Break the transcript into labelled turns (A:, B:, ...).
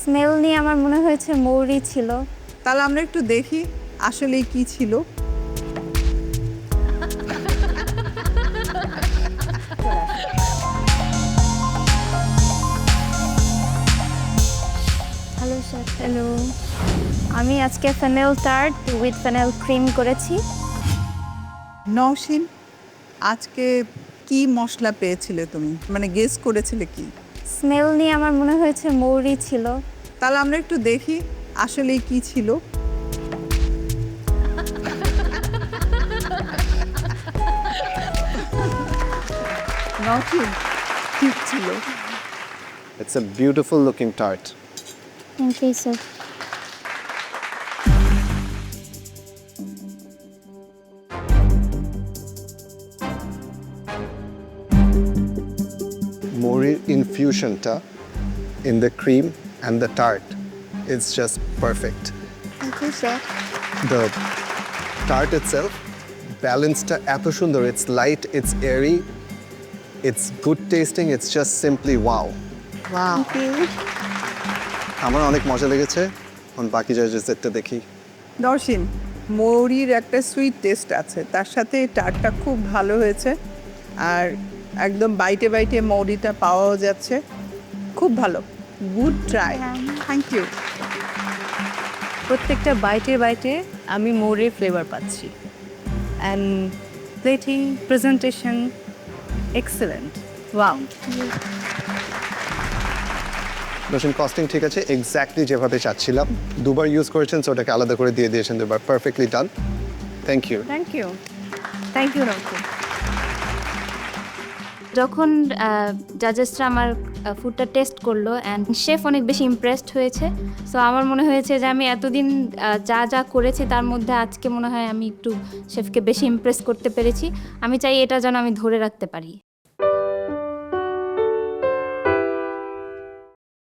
A: Smell নিয়ে আমার মনে হয়েছে মৌরি ছিল।
B: তাহলে আমরা একটু দেখি আসলে কি ছিল।
A: Hello sir. হ্যালো, আমি আজকে fennel tart with fennel cream করেছি।
B: নওশিন, আজকে কি মশলা পেয়েছিলে তুমি, মানে গেস করেছিলে কি?
A: স্মেল নিয়ে আমার মনে হয়েছে মৌরি ছিল।
B: তাহলে আমরা একটু দেখি আসলে কি ছিল। নওশিন, ঠিক ছিল।
C: It's a beautiful looking tart.
A: Thank you sir.
C: Mori infusion ta in the cream and the tart is just perfect.
A: Thank you sir.
C: The tart itself, balanced eto sundor. It's light, it's airy, it's good tasting. It's just simply wow.
B: Wow,
C: আমার অনেক মজা লেগেছে। এখন বাকি জাজেসটা দেখি।
B: নওশিন, মৌরির একটা sweet test আছে, তার সাথে টারটা খুব ভালো হয়েছে, আর একদম বাইটে বাইটে মৌরিটা পাওয়াও যাচ্ছে। খুব ভালো, গুড ট্রাই, থ্যাংক ইউ।
D: প্রত্যেকটা বাইটে আমি মোরের ফ্লেভার পাচ্ছি and plating presentation excellent. Wow,
C: নতুন কস্টিং ঠিক আছে, এক্স্যাক্টলি যেভাবে চাচ্ছিলাম। দুবার ইউজ করেছেন, সো ওটাকে আলাদা করে দিয়ে দিয়েছেন দুবার। Perfectly done, thank you.
D: Thank you, thank you Rocky.
A: যখন জাজেসরা আমার ফুডটা টেস্ট করলো অ্যান্ড শেফ অনেক বেশি ইমপ্রেসড হয়েছে। সো আমার মনে হয়েছে যে আমি এতদিন যা যা করেছি তার মধ্যে আজকে মনে হয় আমি একটু শেফকে বেশি ইমপ্রেস করতে পেরেছি। আমি চাই এটা যেন আমি ধরে রাখতে পারি।